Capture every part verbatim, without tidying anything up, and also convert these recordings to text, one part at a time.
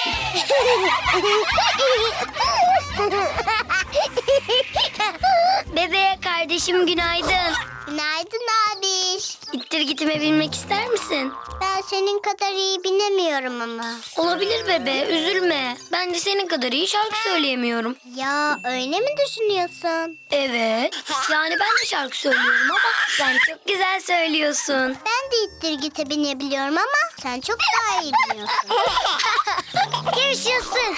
Bebe kardeşim günaydın. Günaydın abiş. İttir gitime binmek ister misin? Ben senin kadar iyi binemiyorum ama. Olabilir bebe, üzülme. Ben de senin kadar iyi şarkı söyleyemiyorum. Ya öyle mi düşünüyorsun? Evet. Yani ben de şarkı söylüyorum ama sen çok güzel söylüyorsun. Ben de ittir gite binebiliyorum ama sen çok daha iyi biliyorsun. Yaşasın.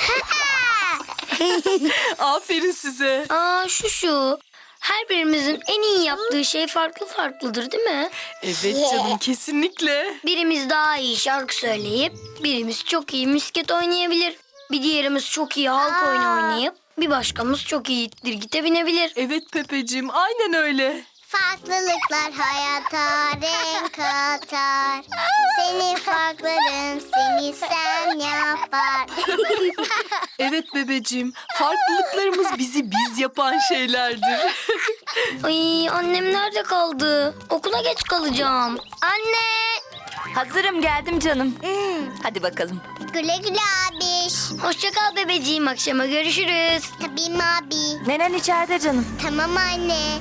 Aferin size. Aa şu şu. Her birimizin en iyi yaptığı şey farklı farklıdır değil mi? Evet canım, kesinlikle. Birimiz daha iyi şarkı söyleyip birimiz çok iyi misket oynayabilir. Bir diğerimiz çok iyi halk oyunu oynayıp bir başkamız çok iyi ittir gite binebilir. Evet Pepeciğim, aynen öyle. Farklılıklar hayata renk katar. Senin farkların seni sen yapar. Evet bebeciğim, farklılıklarımız bizi biz yapan şeylerdir. Ay annem nerede kaldı? Okula geç kalacağım. Anne! Hazırım, geldim canım. Hmm, Hadi bakalım. güle güle abiş. Hoşça kal bebeciğim, akşama görüşürüz. Tabii mi abi? Nenen içeride canım. Tamam anne.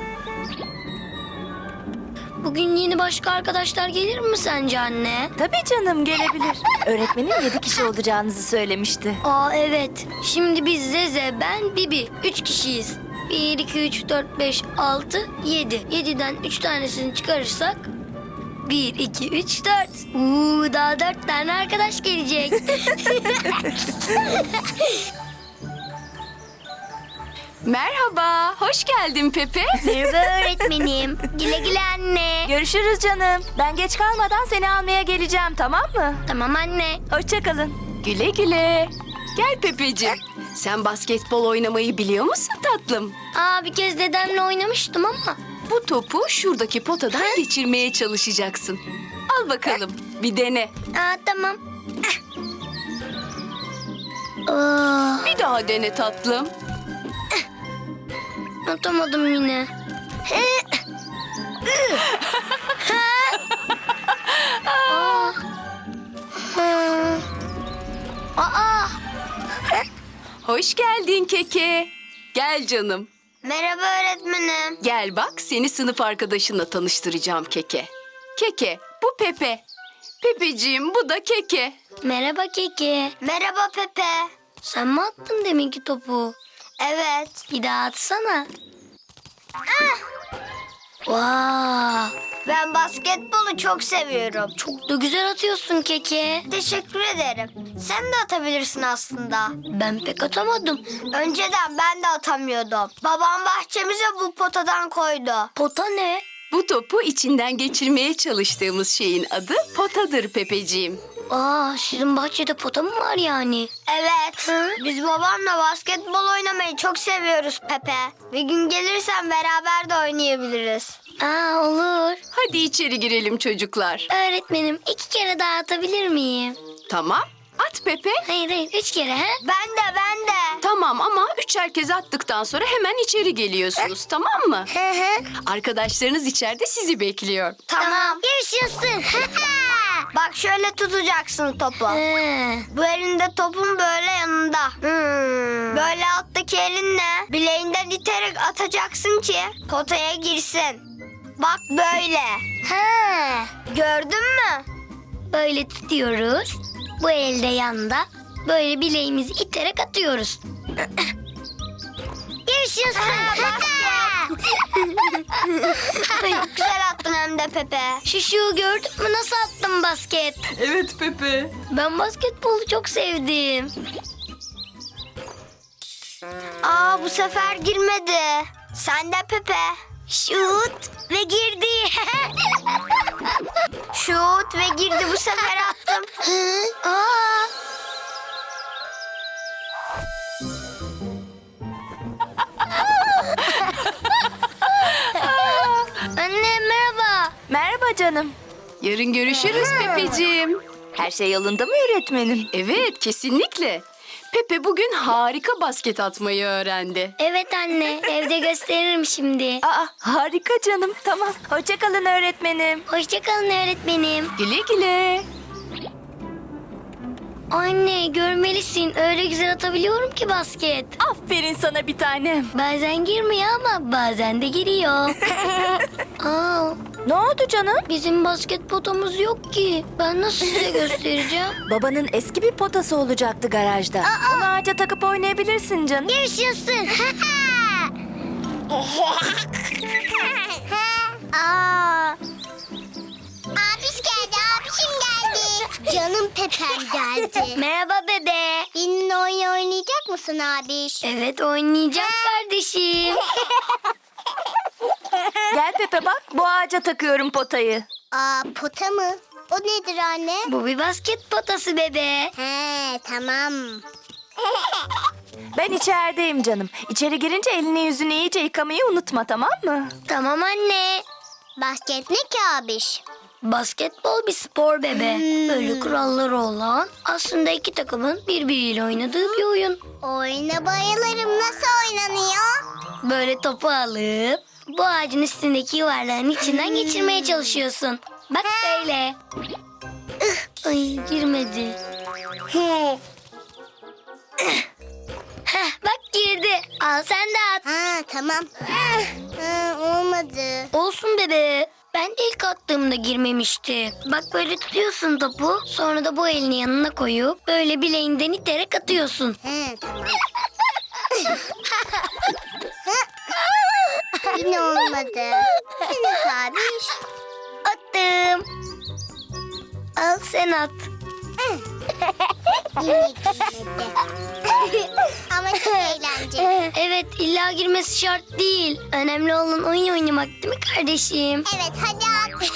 Bugün yeni başka arkadaşlar gelir mi sence anne? Tabii canım, gelebilir. Öğretmenin yedi kişi olacağınızı söylemişti. Aa evet. Şimdi biz Zeze, ben, Bibi. Üç kişiyiz. Bir, iki, üç, dört, beş, altı, yedi. Yediden üç tanesini çıkarırsak... Bir, iki, üç, dört. Uuu daha dört tane arkadaş gelecek. Merhaba, hoş geldin Pepe. Merhaba öğretmenim. Güle güle anne. Görüşürüz canım. Ben geç kalmadan seni almaya geleceğim, tamam mı? Tamam anne. Hoşça kalın. Güle güle. Gel Pepeciğim. Sen basketbol oynamayı biliyor musun tatlım? Aa bir kez dedemle oynamıştım ama. Bu topu şuradaki potadan geçirmeye çalışacaksın. Al bakalım, bir dene. Aa tamam. Aa, Bir daha dene tatlım. atamadım yine. Aa. Aa. Hoş geldin Keke. Gel canım. Merhaba öğretmenim. Gel bak, seni sınıf arkadaşınla tanıştıracağım Keke. Keke, bu Pepe. Pepeciğim, bu da Keke. Merhaba Keke. Merhaba Pepe. Sen mi attın deminki topu? Evet. Bir daha atsana. Vaa. Ben basketbolu çok seviyorum. Çok da güzel atıyorsun Keke. Teşekkür ederim. Sen de atabilirsin aslında. Ben pek atamadım. Önceden ben de atamıyordum. Babam bahçemize bu potadan koydu. Pota ne? Bu topu içinden geçirmeye çalıştığımız şeyin adı potadır Pepeciğim. Aa, sizin bahçede pota mı var yani? Evet. Biz babamla basketbol oynamayı çok seviyoruz Pepe. Bir gün gelirsen beraber de oynayabiliriz. Aa, olur. Hadi içeri girelim çocuklar. Öğretmenim iki kere daha atabilir miyim? Tamam, at Pepe. Hayır hayır üç kere ha? Ben de ben de. Tamam ama üçer kez attıktan sonra hemen içeri geliyorsunuz, tamam mı? Hı hı. Arkadaşlarınız içeride sizi bekliyor. Tamam. Yaşasın. Bak şöyle tutacaksın topu. Bu elinde topun böyle yanında. Böyle alttaki elinle bileğinden iterek atacaksın ki potaya girsin. Bak böyle. Gördün mü? Böyle tutuyoruz. Bu elde yanda. Böyle bileğimizi iterek atıyoruz. Yaşasın. Çok güzel attın hem de Pepe. Şuşu gördün mü nasıl attım basket? Evet Pepe. Ben basketbolu çok sevdim. Aa bu sefer girmedi. Sen de Pepe. Şut ve girdi. Şut ve girdi bu sefer attım. Aa. Anne merhaba. Merhaba canım. Yarın görüşürüz Pepeciğim. Her şey yolunda mı öğretmenim? Evet, kesinlikle. Pepe bugün harika basket atmayı öğrendi. Evet anne evde gösteririm şimdi. Aa, harika canım. Tamam. Hoşça kalın öğretmenim. Hoşçakalın öğretmenim. Güle güle. Anne görmelisin. Öyle güzel atabiliyorum ki basket. Aferin sana bir tanem. Bazen girmiyor ama bazen de giriyor. Aa, Ne oldu canım? bizim basket potamız yok ki. Ben nasıl size göstereceğim? Babanın eski bir potası olacaktı garajda. Onu ağaca takıp oynayabilirsin canım. Yaşasın. Aa. Abiş geldi, abişim geldi. Canım Pepem geldi. Merhaba bebe. Benimle oyun oynayacak mısın abiş? Evet oynayacağım kardeşim. Gel Pepe bak, bu ağaca takıyorum potayı. Aa, pota mı? O nedir anne? Bu bir basket potası bebe. He, tamam. Ben içerideyim canım. İçeri girince elini yüzünü iyice yıkamayı unutma, tamam mı? Tamam anne. Basket ne ki abiş? Basketbol bir spor bebe. Hmm. Böyle kuralları olan, aslında iki takımın birbiriyle oynadığı bir oyun. Oyuna bayılırım. Nasıl oynanıyor? Böyle topu alıp bu ağacın üstündeki yuvarlağın içinden geçirmeye çalışıyorsun. Bak böyle. Ih, Ay girmedi. He. Heh, bak girdi. Al sen de at. Ha, tamam. Ha, olmadı. Olsun bebe. Ben de ilk attığımda girmemişti. Bak böyle tutuyorsun topu. Sonra da bu elini yanına koyup böyle bileğinden iterek atıyorsun. He, tamam. Yine olmadı. Yine abiş. Attım. Al sen at. Yine girmedi. Ama çok eğlenceli. Evet illa girmesi şart değil. Önemli olan oyun oynamak değil mi kardeşim? Evet, hadi at.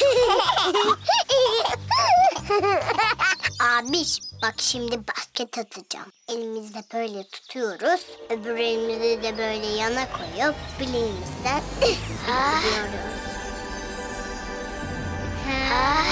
Abiş, bak şimdi basket atacağım. Elimizde böyle tutuyoruz. Öbür elimizi de böyle yana koyup bileğimizden atıyoruz. Ha.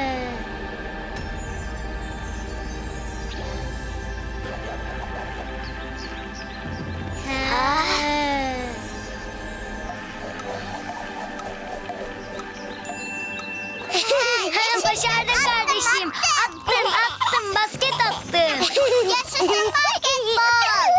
Başardın kardeşim. Attın attın basket attın. Yaşasın basketbol.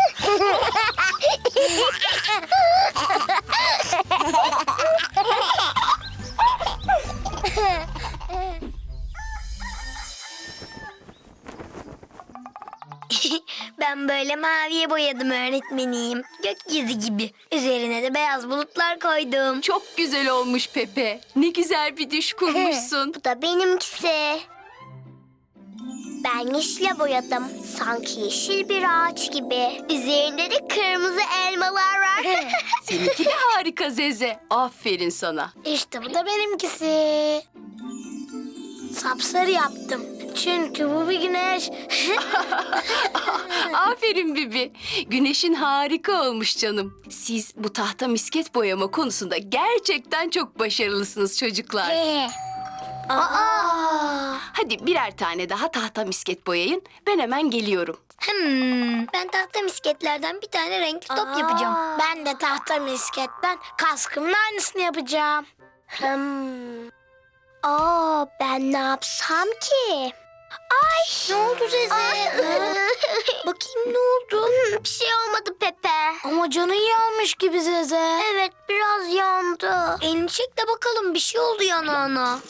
Ben böyle maviye boyadım öğretmenim. Gökyüzü gibi. Üzerine de beyaz bulutlar koydum. Çok güzel olmuş Pepe. Ne güzel bir düş kurmuşsun. Bu da benimkisi. Ben yeşile boyadım. Sanki yeşil bir ağaç gibi. Üzerinde de kırmızı elmalar var. Seninki de harika Zeze. Aferin sana. İşte bu da benimkisi. Sapsarı yaptım. Çünkü bu bir güneş. Aferin Bibi. Güneşin harika olmuş canım. Siz bu tahta misket boyama konusunda gerçekten çok başarılısınız çocuklar. Aa. Hadi birer tane daha tahta misket boyayın. Ben hemen geliyorum. Hmm, ben tahta misketlerden bir tane renkli top yapacağım. Ben de tahta misketten kaskımın aynısını yapacağım. Hmm. Aa, ben ne yapsam ki? Ay ne oldu Zeze? Bakayım ne oldu? Bir şey olmadı Pepe. Ama canın yanmış gibi Zeze. Evet, biraz yandı. Elini çek de bakalım bir şey oldu yanağına.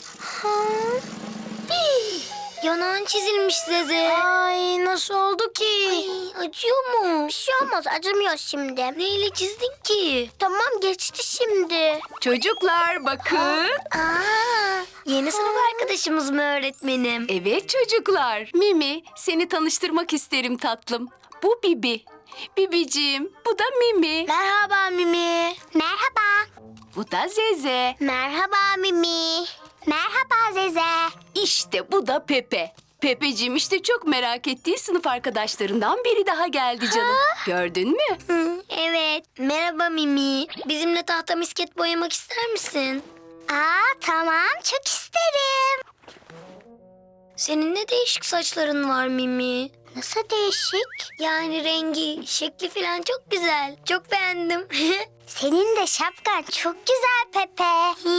Hii, Yanağın çizilmiş Zeze. Ay, nasıl oldu ki? Ay, acıyor mu? Bir şey olmaz, acımıyor şimdi. Neyle çizdin ki? Tamam, geçti şimdi. Çocuklar bakın. Aa, yeni sınıf arkadaşımız mı öğretmenim? Evet çocuklar. Mimi, seni tanıştırmak isterim tatlım. Bu Bibi. Bibiciğim, bu da Mimi. Merhaba Mimi. Merhaba. Bu da Zeze. Merhaba Mimi. Merhaba Zeze. İşte bu da Pepe. Pepeciğim işte çok merak ettiği sınıf arkadaşlarından biri daha geldi canım. Gördün mü? Hı, evet. Merhaba Mimi. Bizimle tahta misket boyamak ister misin? Aa, tamam, çok isterim. Senin ne değişik saçların var Mimi. Nasıl değişik? Yani rengi, şekli falan çok güzel. Çok beğendim. Senin de şapkan çok güzel Pepe. Hi,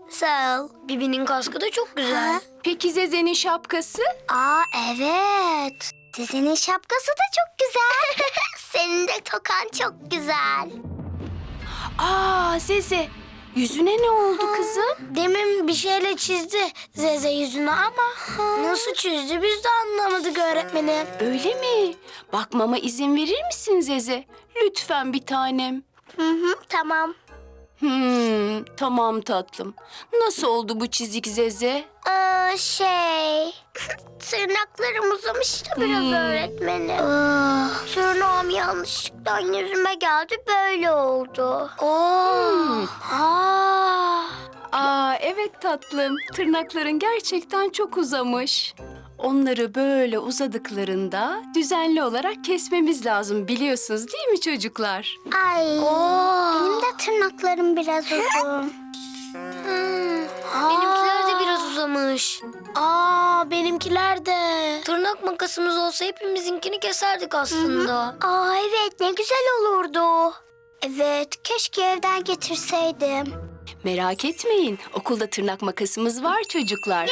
Sağ ol. Bibi'nin kaskı da çok güzel. Peki Zeze'nin şapkası? Aa evet. Sizin şapkası da çok güzel. Senin de tokan çok güzel. Aa Zeze, yüzüne ne oldu kızım? Demin bir şeyle çizdi Zeze yüzünü ama nasıl çizdi biz de anlamadık öğretmenim. Öyle mi? Bakmama izin verir misin Zeze? Lütfen bir tanem. Hı hı, tamam. Hmm, tamam tatlım. Nasıl oldu bu çizik Zeze? Ee, şey... Tırnaklarım uzamış da biraz Hmm. öğretmenim. Tırnağım yanlışlıkla yüzüme geldi, böyle oldu. Oo. Aa. Aa evet tatlım. Tırnakların gerçekten çok uzamış. Onları böyle uzadıklarında düzenli olarak kesmemiz lazım biliyorsunuz değil mi çocuklar? Ay, Oo. benim de tırnaklarım biraz uzun. Benimkiler de biraz uzamış. Aa, benimkiler de. Tırnak makasımız olsa hepimizinkini keserdik aslında. Aa evet, ne güzel olurdu. Evet, keşke evden getirseydim. Merak etmeyin. Okulda tırnak makasımız var çocuklar.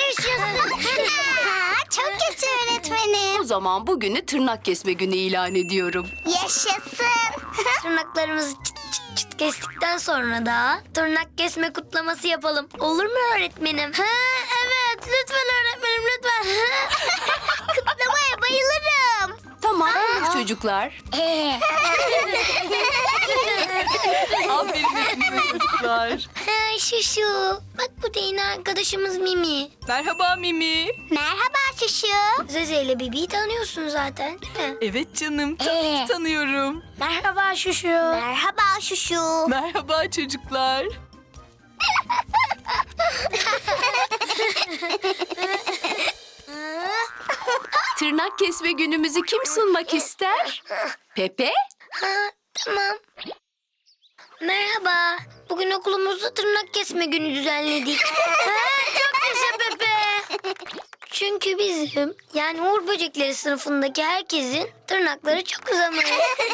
Çok kötü öğretmenim. O zaman bugünü tırnak kesme günü ilan ediyorum. Yaşasın. Tırnaklarımızı çıt çıt çıt kestikten sonra da tırnak kesme kutlaması yapalım. Olur mu öğretmenim? Ha, evet, lütfen öğretmenim, lütfen. Kutlamaya bayılırım. Tamam çocuklar. Aferin hepinize çocuklar. Ha, şu şu. Bak bu da yine arkadaşımız Mimi. Merhaba Mimi. Merhaba Şuşu. Zeze ile Bibi'yi tanıyorsun zaten değil mi? Evet canım, tabii ki tanıyorum. Merhaba Şuşu. Merhaba Şuşu. Merhaba çocuklar. Tırnak kesme günümüzü kim sunmak ister? Pepe? Ha, tamam. Merhaba. Bugün okulumuzda tırnak kesme günü düzenledik. Ha, çok yaşa Pepe. Çünkü bizim yani Uğur Böcekleri sınıfındaki herkesin tırnakları çok uzamış.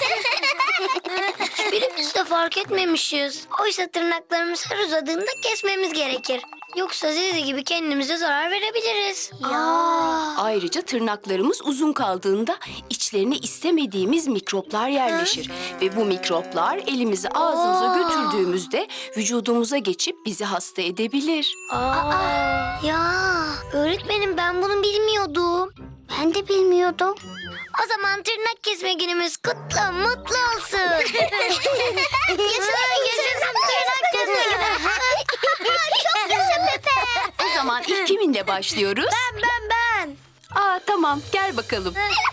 Hiçbirimiz de fark etmemişiz. Oysa tırnaklarımız her uzadığında kesmemiz gerekir. Yoksa Zeze gibi kendimize zarar verebiliriz. Ya. Ayrıca tırnaklarımız uzun kaldığında içlerine istemediğimiz mikroplar yerleşir. Ve bu mikroplar elimizi ağzımıza Aa. götürdüğümüzde vücudumuza geçip bizi hasta edebilir. Aa. Ya. Öğretmenim ben bunu bilmiyordum. Ben de bilmiyordum. O zaman tırnak kesme günümüz kutlu, mutlu olsun. yaşasın, yaşasın tırnak kesme günü. Çok yaşa Pepe. O zaman ilk kiminle başlıyoruz? Ben, ben, ben. Aa tamam gel bakalım.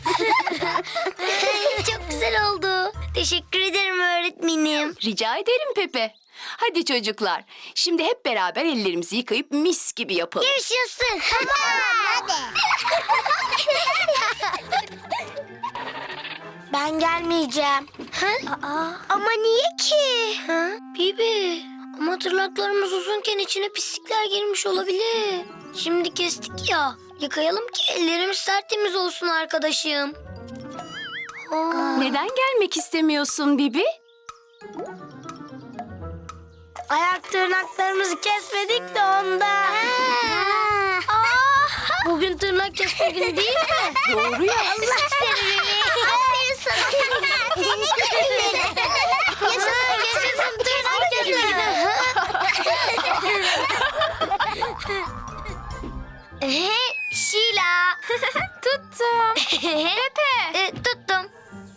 Çok güzel oldu. Teşekkür ederim öğretmenim. Rica ederim Pepe. Hadi çocuklar, şimdi hep beraber ellerimizi yıkayıp mis gibi yapalım. Yaşasın. Hadi. Ben gelmeyeceğim. Aa, ama niye ki? Ha? Bibi. Ama tırnaklarımız uzunken içine pislikler girmiş olabilir. Şimdi kestik ya. Yıkayalım ki ellerimiz tertemiz olsun arkadaşım. Aa. Neden gelmek istemiyorsun Bibi? Ayak tırnaklarımızı kesmedik de ondan. Bugün tırnak kesme günü değil mi? Doğru ya. Allah seni. Aferin sana. Seni güzelim. Yaşasın, yaşasın tırnak kesme günü. Şila. Tuttum. Pepe. E, tuttum.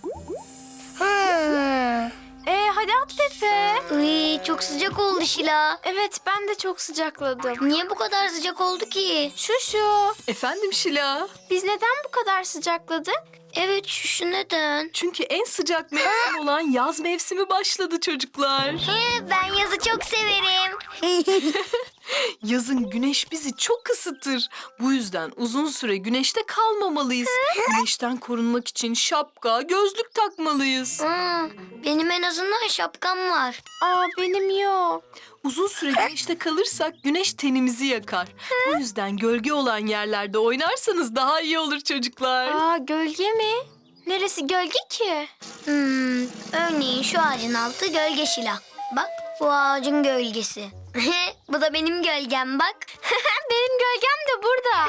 Ee, hadi at Pepe. Uy, çok sıcak oldu Şila. Evet, ben de çok sıcakladım. Niye bu kadar sıcak oldu ki? Şu şu. Efendim Şila. Biz neden bu kadar sıcakladık? Evet, şu şu neden? Çünkü en sıcak mevsim olan yaz mevsimi başladı çocuklar. He, ben yazı çok severim. Yazın güneş bizi çok ısıtır. Bu yüzden uzun süre güneşte kalmamalıyız. Güneşten korunmak için şapka, gözlük takmalıyız. Aa, benim en azından şapkam var. Aa, benim yok. Uzun süre güneşte kalırsak güneş tenimizi yakar. Bu yüzden gölge olan yerlerde oynarsanız daha iyi olur çocuklar. Aa, gölge mi? Neresi gölge ki? Hmm, örneğin şu ağacın altı gölge Şila. Bak, bu ağacın gölgesi. Bu da benim gölgem bak. Benim gölgem de burada.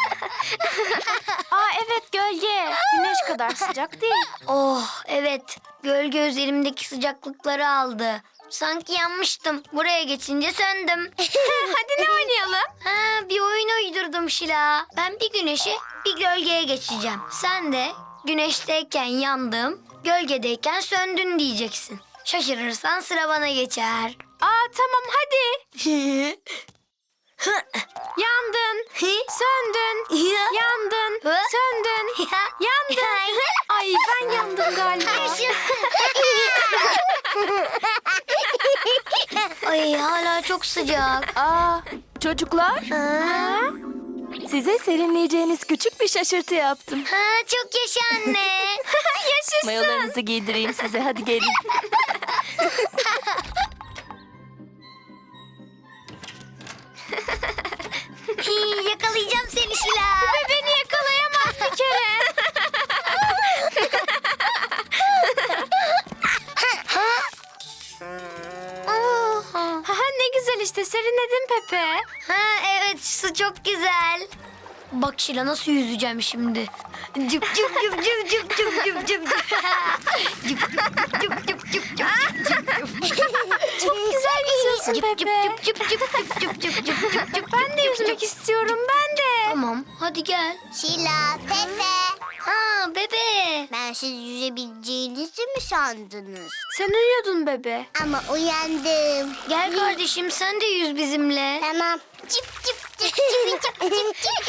Aa evet gölge. Güneş kadar sıcak değil. Oh evet, gölge üzerimdeki sıcaklıkları aldı. Sanki yanmıştım. Buraya geçince söndüm. Hadi ne oynayalım? Ha, bir oyun uydurdum Şila. Ben bir güneşe bir gölgeye geçeceğim. Sen de güneşteyken yandım, gölgedeyken söndün diyeceksin. Şaşırırsan sıra bana geçer. Aa tamam hadi. Yandın. Söndün. Yandın. Söndün. Yandın. Ay ben yandım galiba. Ay hala çok sıcak. Aa, çocuklar, Ha? size serinleyeceğiniz küçük bir şaşırtı yaptım. Ha, çok yaşa anne. Yaşasın. Mayolarınızı giydireyim size, hadi gelin. Hii, yakalayacağım seni Şila. Ve beni yakalayamaz bir kere. Ha, ne güzel işte serinledin Pepe. Ha evet, su çok güzel. Bak Şila nasıl yüzeceğim şimdi. Cıp cıp cıp cıp cıp cıp cıp cıp cıp. Cıp cıp cıp cıp cıp cıp. Çok güzel yüzüyorsun Cıp cıp Pepe. cıp cıp cıp cıp cıp cıp cıp cıp cıp. Ben de yüzmek istiyorum ben de. Tamam hadi gel. Şila, Pepe. Ha bebe. Ben siz yüzebileceğinizi mi sandınız? Sen uyuyordun bebe. Ama uyandım. Gel kardeşim sen de yüz bizimle. Tamam. Cip cip cip cip cip cip cip cip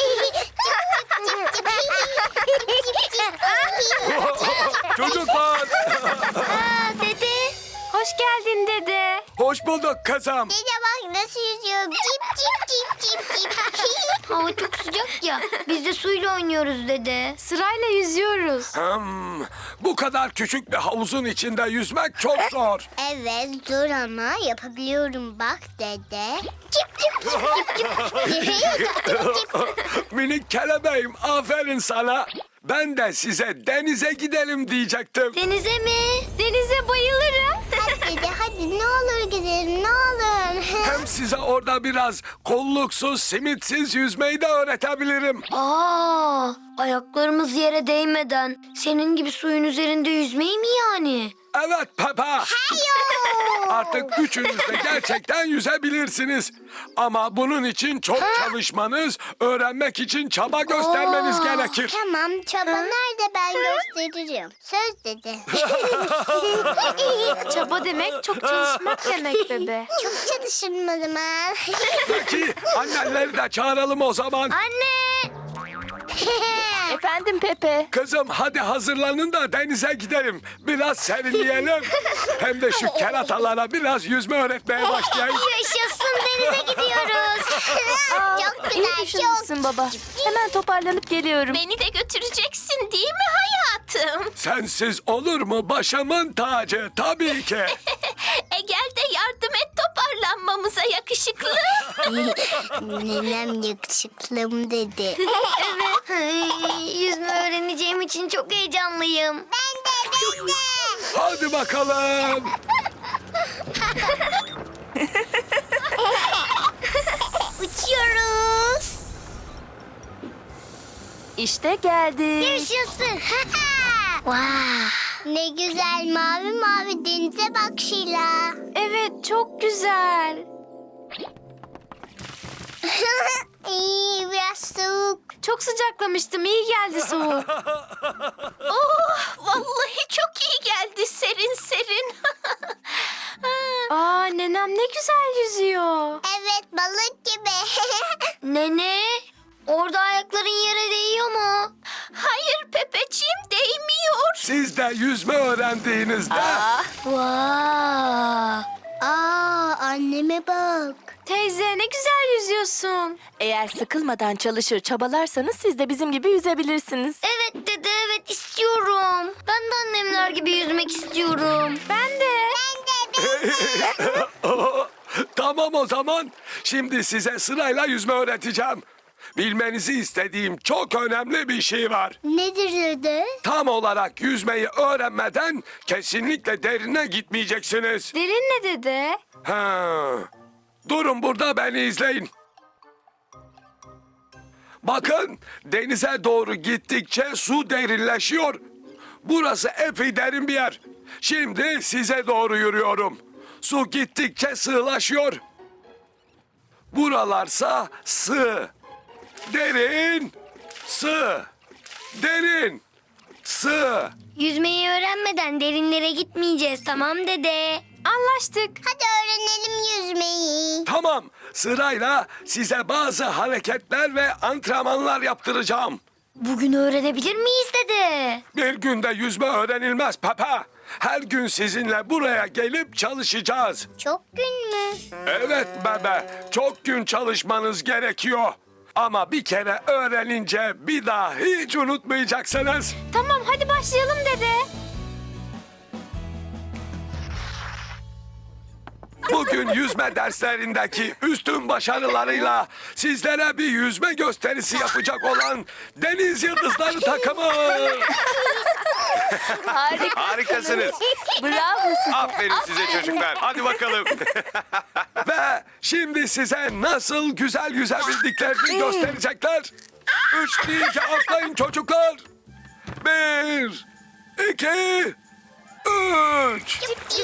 Çocuklar, Aa dede. Hoş geldin dede. hoş bulduk kızım. Dede bak nasıl yüzüyorum. Cip cip cip cip cip. Hava çok sıcak ya. Biz de suyla oynuyoruz dede. Sırayla yüzüyoruz. Hmm, bu kadar küçük bir havuzun içinde yüzmek çok zor. Evet zor ama yapabiliyorum bak dede. Cip cip cip cip cip. Cip cip. Minik kelebeğim, aferin sana. Ben de size denize gidelim diyecektim. Denize mi? Denize bayılırım. Hadi dede hadi ne olur gidelim ne olur. Hem size orada biraz kolluksuz, simitsiz yüzmeyi de öğretebilirim. Aa, ayaklarımız yere değmeden senin gibi suyun üzerinde yüzmeyi mi yani? Evet Peppa. Artık üçünüz de gerçekten yüzebilirsiniz. Ama bunun için çok çalışmanız, öğrenmek için çaba göstermeniz gerekir. Tamam çaba nerede ben gösteririm. Söz dede. Çaba demek çok çalışmak demek bebe. Çok çalışırım o zaman. Peki annenleri de çağıralım o zaman. Anne! Efendim Pepe. Kızım hadi hazırlanın da denize gidelim. Biraz serinleyelim. Hem de şu keratalara biraz yüzme öğretmeye başlayayım. Yaşasın denize gidiyoruz. Çok İyi güzel çok. düşünmüşsün baba. Hemen toparlanıp geliyorum. Beni de götüreceksin değil mi hayatım? Sensiz olur mu başımın tacı? Tabii ki. E gel de yardım et toparlanmamıza yakışıklı. Nenem yakışıklım dedi. Ay, yüzme öğreneceğim için çok heyecanlıyım. Ben de ben de. Hadi bakalım. Uçuyoruz. İşte geldik. Yaşasın. Vay. Ne güzel mavi mavi denize bak Şila. Evet çok güzel. İyi biraz soğuk. Çok sıcaklamıştım iyi geldi soğuk. oh vallahi çok iyi geldi serin serin. Aa nenem ne güzel yüzüyor. Evet balık gibi. Nene, orada ayakların yere değiyor mu? Hayır Pepeciğim değmiyor. Siz de yüzme öğrendiğinizde Vay. Aa anneme bak. Teyze ne güzel yüzüyorsun. Eğer sıkılmadan çalışır çabalarsanız siz de bizim gibi yüzebilirsiniz. Evet dede, evet istiyorum. Ben de annemler gibi yüzmek istiyorum. Ben de. tamam o zaman. Şimdi size sırayla yüzme öğreteceğim. Bilmenizi istediğim çok önemli bir şey var. Nedir dede? Tam olarak yüzmeyi öğrenmeden kesinlikle derine gitmeyeceksiniz. Derin ne dede? Ha. Durun burada, beni izleyin. Bakın, denize doğru gittikçe su derinleşiyor. Burası epey derin bir yer. Şimdi size doğru yürüyorum. Su gittikçe sığlaşıyor. Buralarsa sığ. Derin, sığ. Derin, sığ. Yüzmeyi öğrenmeden derinlere gitmeyeceğiz, tamam dede. Anlaştık. Hadi öğrenelim yüzmeyi. Tamam, sırayla size bazı hareketler ve antrenmanlar yaptıracağım. Bugün öğrenebilir miyiz dede? Bir günde yüzme öğrenilmez Pepe. Her gün sizinle buraya gelip çalışacağız. Çok gün mü? Evet bebe, çok gün çalışmanız gerekiyor. Ama bir kere öğrenince bir daha hiç unutmayacaksınız. Tamam hadi başlayalım dede. Bugün yüzme derslerindeki üstün başarılarıyla sizlere bir yüzme gösterisi yapacak olan Deniz Yıldızları takımı. Harikasınız. Bravo size. Aferin size çocuklar. Hadi bakalım. Ve şimdi size nasıl güzel yüzebildiklerini gösterecekler. Üç deyince atlayın çocuklar. Bir, iki, üç.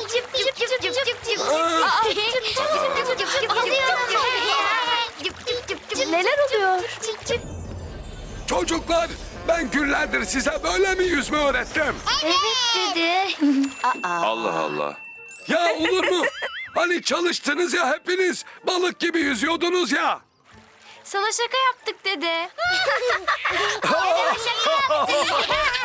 Neler oluyor? Çocuklar, ben günlerdir size böyle mi yüzme öğrettim? Evet dede. Allah Allah. Ya olur mu? Hani çalıştınız ya hepiniz. Balık gibi yüzüyordunuz ya. Sana şaka yaptık dede.